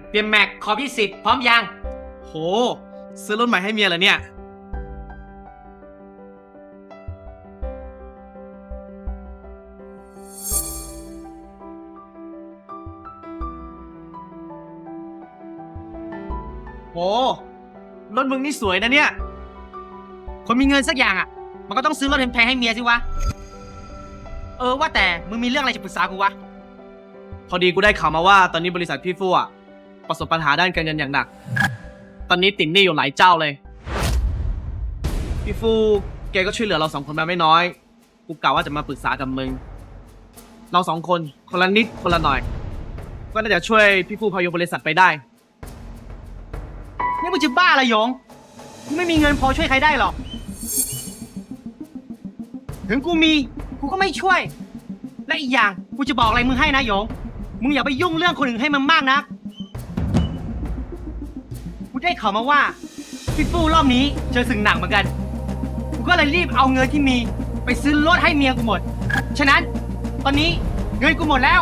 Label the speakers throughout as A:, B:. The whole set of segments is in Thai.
A: เปลี่ยนแม็กขอ20พร้อมยัง
B: โหซื้อรถใหม่ให้เมียเหรอเนี่ยโหรถมึงนี่สวยนะเนี่ย
A: คนมีเงินสักอย่างอ่ะมันก็ต้องซื้อรถแพงๆให้เมียสิวะว่าแต่มึงมีเรื่องอะไรจะปรึกษากูวะ
B: พอดีกูได้ข่าวมาว่าตอนนี้บริษัทพี่ฟู่อะประสบปัญหาด้านการเงินอย่างหนักตอนนี้ติดหนี้อยู่หลายเจ้าเลยพี่ฟู่แกก็ช่วยเหลือเรา2 คนมาไม่น้อยกูกล่าวว่าจะมาปรึกษากับมึงเรา2 คนคนละนิดคนละหน่อยก็น่าจะช่วยพี่ฟู่พายุบริษัทไปได้
A: นี่มึงจะบ้าอะไรหยงกูไม่มีเงินพอช่วยใครได้หรอกถึงกูมีกูก็ไม่ช่วยและอีกอย่างกูจะบอกอะไรมึงให้นะหยงมึงอย่าไปยุ่งเรื่องคนอื่นให้มันมากนะกูได้ข่าวมาว่าพี่ฟู่รอบนี้เจอสิ่งหนักเหมือนกันกูก็เลยรีบเอาเงินที่มีไปซื้อรถให้เมียกูหมดฉะนั้นตอนนี้เงินกูหมดแล้ว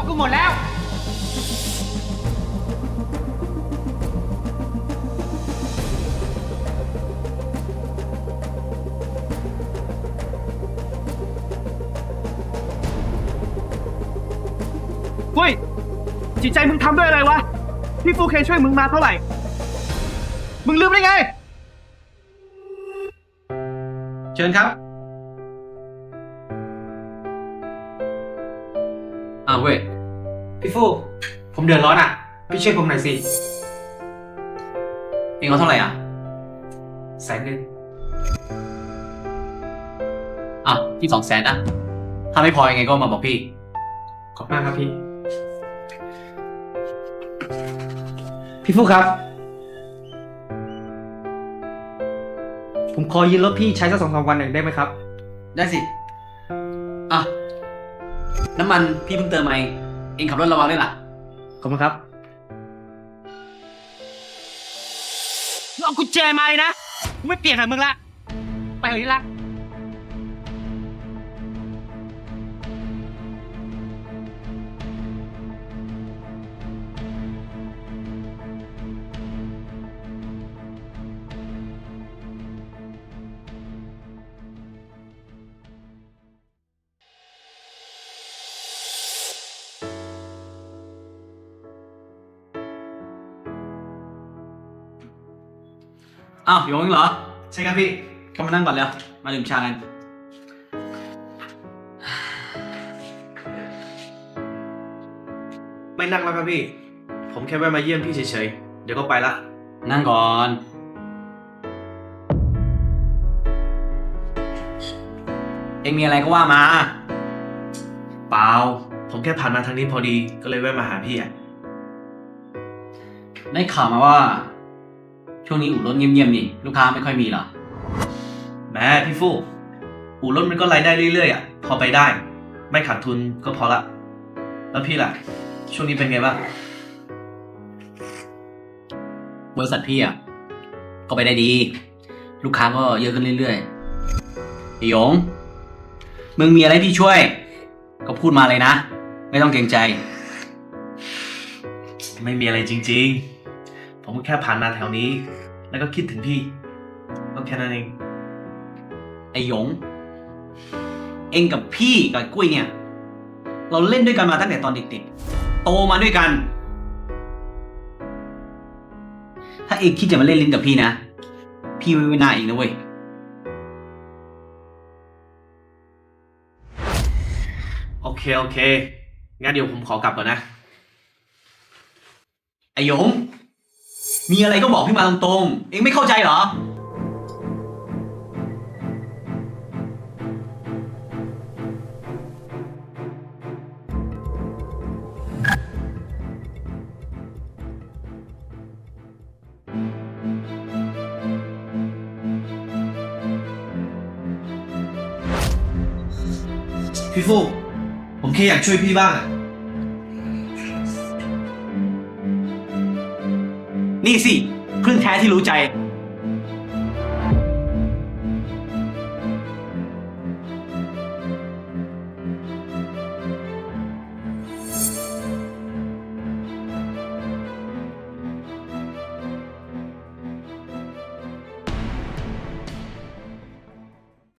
B: เฮ้ยจิตใจมึงทำด้วยอะไรวะพี่ฟูเคยช่วยมึงมาเท่าไหร่มึงลืมได้ไงเชิญครับ
A: เว้ยพี่ฟูผมเดือดร้อนอ่ะพี่ช่วยผมหน่อยสิเองเอาเท่าไหร่อ่ะ100,000พี่200,000นะถ้าไม่พอยังไงก็มาบอกพี่ขอบมากครับพี่ฟูครับผมขอยืมรถพี่ใช้สัก2-3 วันหนึ่งได้ไหมครับได้สิน้ำมันพี่เพิ่งเติมมาเองขับรถระวังด้วยล่ะขอบคุณครับเอากุญแจมาเลยนะกูไม่เปลี่ยนกับมึงละไปเถอะที่รักโยงเหรอใช่ครับพี่เข้ามานั่งก่อนแล้วมาดื่มชากัน
B: ไม่นั่งแล้วครับพี่ผมแค่แวะมาเยี่ยมพี่เฉยๆเดี๋ยวก็ไปละ
A: นั่งก่อนเอ็งมีอะไรก็ว่ามา
B: เปล่าผมแค่ผ่านมาทางนี้พอดีก็เลยแวะมาหาพี่
A: ได้ข่าวมาว่าช่วงนี้อู่รถเงียบๆนี่ลูกค้าไม่ค่อยมีเหรอ
B: แหมพี่ฟู่อู่รถมันก็รายได้เรื่อยๆพอไปได้ไม่ขาดทุนก็พอละแล้วพี่ล่ะช่วงนี้เป็นไงบ้าง
A: บริษัทพี่ก็ไปได้ดีลูกค้าก็เยอะขึ้นเรื่อยๆพี่หยงมึงมีอะไรพี่ช่วยก็พูดมาเลยนะไม่ต้องเกรงใจ
B: ไม่มีอะไรจริงๆผมแค่ผ่านมาแถวนี้แล้วก็คิดถึงพี่ก็แค่นั้นเอง
A: ไอ้หยงเองกับพี่กับกุ้ยเนี่ยเราเล่นด้วยกันมาตั้งแต่ตอนเด็กๆโตมาด้วยกันถ้าเองคิดจะมาเล่นลิ้นกับพี่นะพี่ไม่ไว้หน้าเองนะเว้ย
B: โอเคงั้นเดี๋ยวผมขอกลับก่อนนะ
A: ไอ้หยงมีอะไรก็บอกพี่มาตรงๆเองไม่เข้าใจเหรอ
B: พี่ฟู่ผมแค่อยากช่วยพี่บ้าง
A: นี่สิเพื่อนแท้ที่รู้ใจ